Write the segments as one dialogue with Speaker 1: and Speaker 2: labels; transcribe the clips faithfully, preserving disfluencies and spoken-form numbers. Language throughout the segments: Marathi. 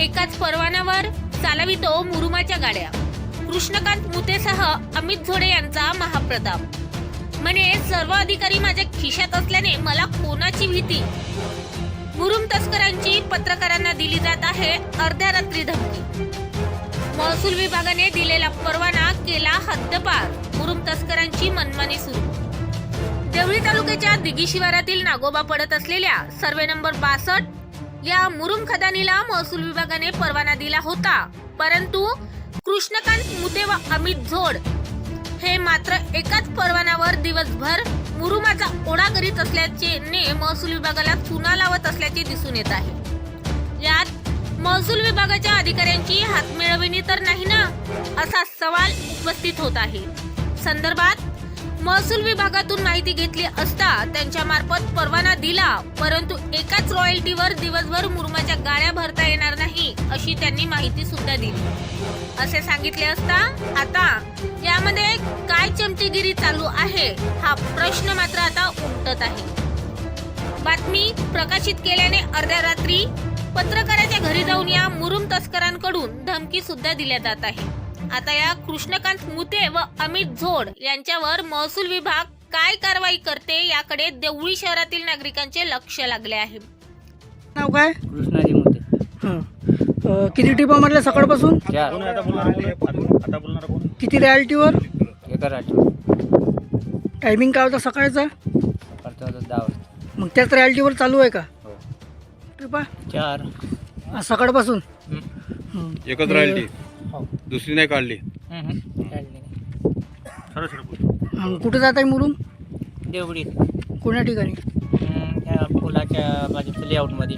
Speaker 1: एकाच परवान्यावर चालवितो मुरुमाच्या गाड्या. कृष्णकांत मुतेसह अमित झोडे यांचा महाप्रताप. म्हणे सर्व अधिकारी माझ्या खिशात असल्याने मला कोणाची भीती. मुरुम तस्करांची पत्रकारांना दिली जात आहे अर्ध्या रात्री धमकी. महसूल विभागाने दिलेला परवाना केला हद्दपार. मुरुम तस्करांची मनमानी सुरू. देवळी तालुक्याच्या दिघी शिवारातील नागोबा पडत असलेल्या सर्वे नंबर बासष्ट या मुरुम खदानीला महसूल विभागाने परवाना दिला होता, परंतु कृष्णकांत मुते व अमित झोड हे मात्र एकाच परवान्यावर दिवसभर मुरुमाचा ओढा करीत असल्याचे ने महसूल विभागाला चुना लावत असल्याचे दिसून येत आहे. यात महसूल विभागाच्या अधिकाऱ्यांची हातमिळवणी तर नाही ना, असा सवाल उपस्थित होत आहे. संदर्भात महसूल विभागातून माहिती घेतली असता त्यांच्या मार्फत परवाना दिला, परंतु एकाच रॉयल्टीवर दिवसभर मुरुमाच्या गाड्या भरता येणार नाही अशी त्यांनी माहिती सुद्धा दिली. असे सांगितले असता आता यामध्ये काय चमचेगिरी चालू आहे हा प्रश्न मात्र आता उमटत आहे. बातमी प्रकाशित केल्याने अर्ध्या रात्री पत्रकाराच्या घरी जाऊन या मुरुम तस्करांकडून धमकी सुद्धा दिल्या जात आहे. आता या कृष्णकांत मुते व अमित झोड यांच्यावर महसूल विभाग काय कारवाई करते याकडे देवळी शहरातील नागरिकांचे लक्ष लागले आहे.
Speaker 2: नाव काय?
Speaker 3: कृष्णाजी मुते.
Speaker 2: हं. अ, किती टिपा मारल्या सकाळपासून?
Speaker 3: चार.
Speaker 2: किती रॅलिटीवर?
Speaker 3: एका राठी.
Speaker 2: टायमिंग काय होता सकाळचा?
Speaker 3: सकाळचा होता दहा वाजता.
Speaker 2: मग त्याच रॅलिटीवर चालू आहे का
Speaker 3: हो.
Speaker 2: टिपा
Speaker 3: चार.
Speaker 2: आज सकाळपासून?
Speaker 3: हं.
Speaker 2: हं.
Speaker 4: एकच राहिली,
Speaker 3: हो.
Speaker 4: दुसरी नाही काढली.
Speaker 3: हं, हं. काढली नाही.
Speaker 2: हं. कुठं जात आहे मुरुम?
Speaker 3: देवडीत.
Speaker 2: कोण्या ठिकाणी?
Speaker 3: हं, त्या पुलाच्या बाजूच्या लेआउटमध्ये.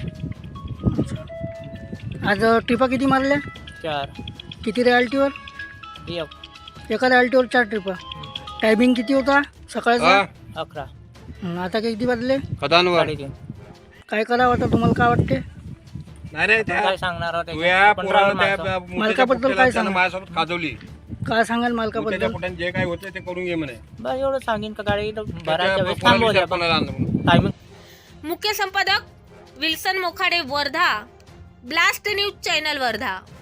Speaker 2: आज टिपा किती मारल्या?
Speaker 3: चार.
Speaker 2: किती रॅलिटीवर?
Speaker 3: एक.
Speaker 2: एका रॅलिटीवर चार टिपा. टायमिंग किती होता सकाळचा?
Speaker 4: हा,
Speaker 3: अकरा.
Speaker 2: हं. आता किती वाजले?
Speaker 4: खदानवर
Speaker 3: साडेतीन.
Speaker 2: काय करावं आता तुम्हाला काय वाटते?
Speaker 4: नाही रे, त्या
Speaker 3: काय सांगणार आहोत
Speaker 4: तुया
Speaker 3: त्याच्यात? आपण
Speaker 4: पोराला
Speaker 3: राहू
Speaker 4: त्या
Speaker 3: माणसं.
Speaker 4: मुलीच्या
Speaker 2: मालकाबद्दल
Speaker 4: पोट्याला
Speaker 2: काय
Speaker 4: त्यानं
Speaker 2: सांगा?
Speaker 4: माझ्यासोबत खाजवली.
Speaker 2: काय सांगाल
Speaker 4: त्याच्या
Speaker 2: मालकाबद्दल?
Speaker 4: पोट्याने जे काय होते ते करून घे म्हणे.
Speaker 3: बस एवढं सांगेन का गाडी भरायच्या
Speaker 4: त्याच्या
Speaker 3: वेळेस
Speaker 4: पोराला
Speaker 3: थांबवल्या
Speaker 4: विचार कोणाला आणलं म्हणून.
Speaker 3: टायमिंग.
Speaker 1: मुख्य संपादक Wilson Mokhade, Wardha. Blast news channel, Wardha.